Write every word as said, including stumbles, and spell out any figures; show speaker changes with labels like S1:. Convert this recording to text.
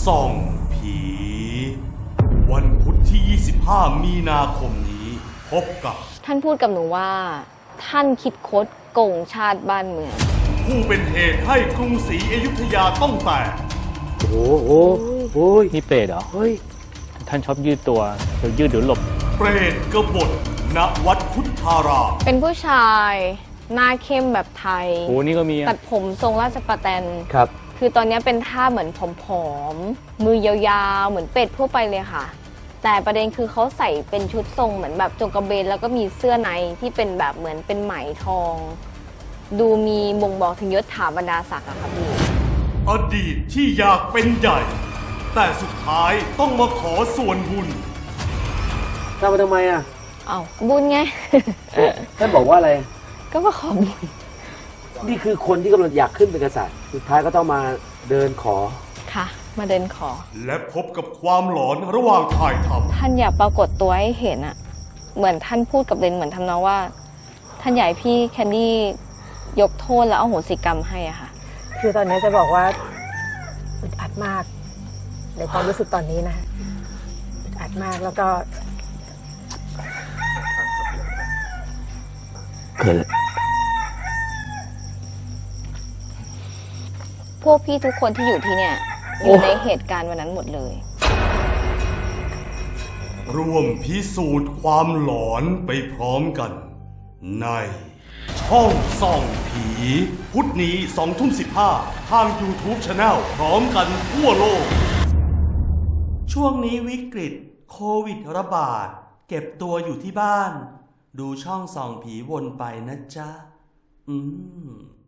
S1: ส่องผีวันพุธที่ยี่สิบห้ามีนาคมนี้พบกับ
S2: ท่านพูดกับหนูว่าท่านคิดคดโกงชาติบ้านเมือง
S1: ผู้เป็นเหตุให้กรุงศรีอยุธยาต้องแตก
S3: โอ้โหโอ้ยนี่เปรตเหรอเฮ้ยท่านชอบยืดตัวเดี๋ยวยืดเดี๋ยวหลบ
S1: เปรตกบฏณวัดพุทธาราม
S2: เป็นผู้ชายหน้าเข้มแบบไทย
S3: โอ้นี่ก็มี
S2: ตัดผมทรงราชประแตน
S3: ครับ
S2: คือตอนนี้เป็นท่าเหมือนผอมๆมือยาวๆเหมือนเป็ดทั่วไปเลยค่ะแต่ประเด็นคือเขาใส่เป็นชุดทรงเหมือนแบบจงกระเบนแล้วก็มีเสื้อในที่เป็นแบบเหมือนเป็นไหมทองดูมีบ่งบอกถึงยศถาบรรดาศักดิ์อะค่ะพี่
S1: อดีตที่อยากเป็นใหญ่แต่สุดท้ายต้องมาขอส่วนบุญ
S3: ทำมาทำไมอ่ะ
S2: เอ้าบุญไง
S3: ท่านบอกว่าอะไร
S2: ก็มาขอบุญ
S3: นี่คือคนที่กำลังอยากขึ้นเป็นกษัตริย์สุดท้ายก็ต้องมาเดินขอ
S2: ค่ะมาเดินขอ
S1: และพบกับความหลอนระหว่างถ่ายท
S2: ำท่านอยากปรากฏตัวให้เห็นอะเหมือนท่านพูดกับเรนเหมือนทำนองว่าท่านอยากให้พี่แคนดี้ยกโทษแล้วเอาโหสิกรรมให้อะค่ะ
S4: คือตอนนี้จะบอกว่าอึดอัดมากในความรู้สึกตอนนี้นะอึดอัดมากแล้วก็
S3: เกิด
S2: พวกพี่ทุกคนที่อยู่ที่เนี่ยอยู่ในเหตุการณ์วันนั้นหมดเลย
S1: ร่วมพิสูจน์ความหลอนไปพร้อมกันในช่องส่องผีพุธนี้สองทุ่มสิบห้าทาง YouTube Channel พร้อมกันทั่วโลกช่วงนี้วิกฤตโควิดระบาดเก็บตัวอยู่ที่บ้านดูช่องส่องผีวนไปนะจ๊ะอืม